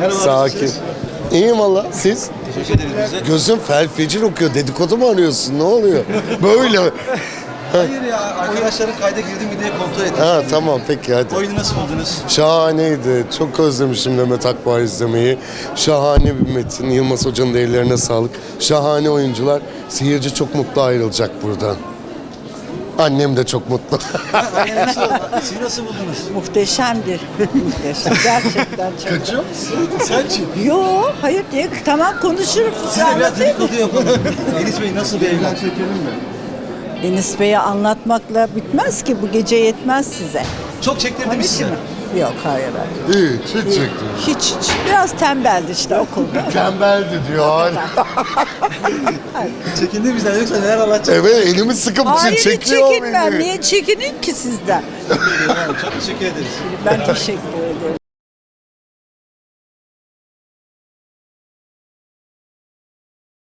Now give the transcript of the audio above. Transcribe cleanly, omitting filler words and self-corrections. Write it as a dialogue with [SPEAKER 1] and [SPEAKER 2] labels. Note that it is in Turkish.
[SPEAKER 1] Sakin. İyiyim valla. Siz?
[SPEAKER 2] Teşekkür ederiz bize.
[SPEAKER 1] Gözüm fel fecir okuyor. Dedikodu mu arıyorsun? Ne oluyor? Böyle.
[SPEAKER 2] Hayır ya, arkadaşların kayda girdi mi diye kontrol ettim.
[SPEAKER 1] Ha tamam peki hadi.
[SPEAKER 2] Oyunu nasıl buldunuz?
[SPEAKER 1] Şahaneydi. Çok özlemişim Demet Akbağ izlemeyi. Şahane bir metin. Yılmaz Hoca'nın da ellerine sağlık. Şahane oyuncular. Seyirci çok mutlu ayrılacak buradan. Annem de çok mutlu.
[SPEAKER 2] Siz nasıl buldunuz?
[SPEAKER 3] Muhteşemdi. Muhteşem. Gerçekten çok.
[SPEAKER 1] Kaçıyor musun?
[SPEAKER 2] Sen kim?
[SPEAKER 3] Yo, hayır diye. Tamam konuşurum.
[SPEAKER 2] Siz de biraz dedikodu yapalım. Enis Bey nasıl bir evlat?
[SPEAKER 3] Enis Bey'e anlatmakla bitmez ki. Bu gece yetmez size.
[SPEAKER 2] Çok çektirdi mi size?
[SPEAKER 3] Yok hayır. Hayır.
[SPEAKER 1] İyi, hiç çektim.
[SPEAKER 3] Hiç. Biraz tembeldi işte okulda.
[SPEAKER 1] Tembeldi diyor hala.
[SPEAKER 2] Çekindi bizden yoksa neler anlatacak?
[SPEAKER 1] Evet elimi sıkıp
[SPEAKER 3] Hayır hiç
[SPEAKER 1] çekiyor
[SPEAKER 3] çekinmem.
[SPEAKER 1] beni.
[SPEAKER 3] Niye çekinin ki sizden?
[SPEAKER 2] Çok teşekkür ederiz.
[SPEAKER 3] Ben teşekkür ederim.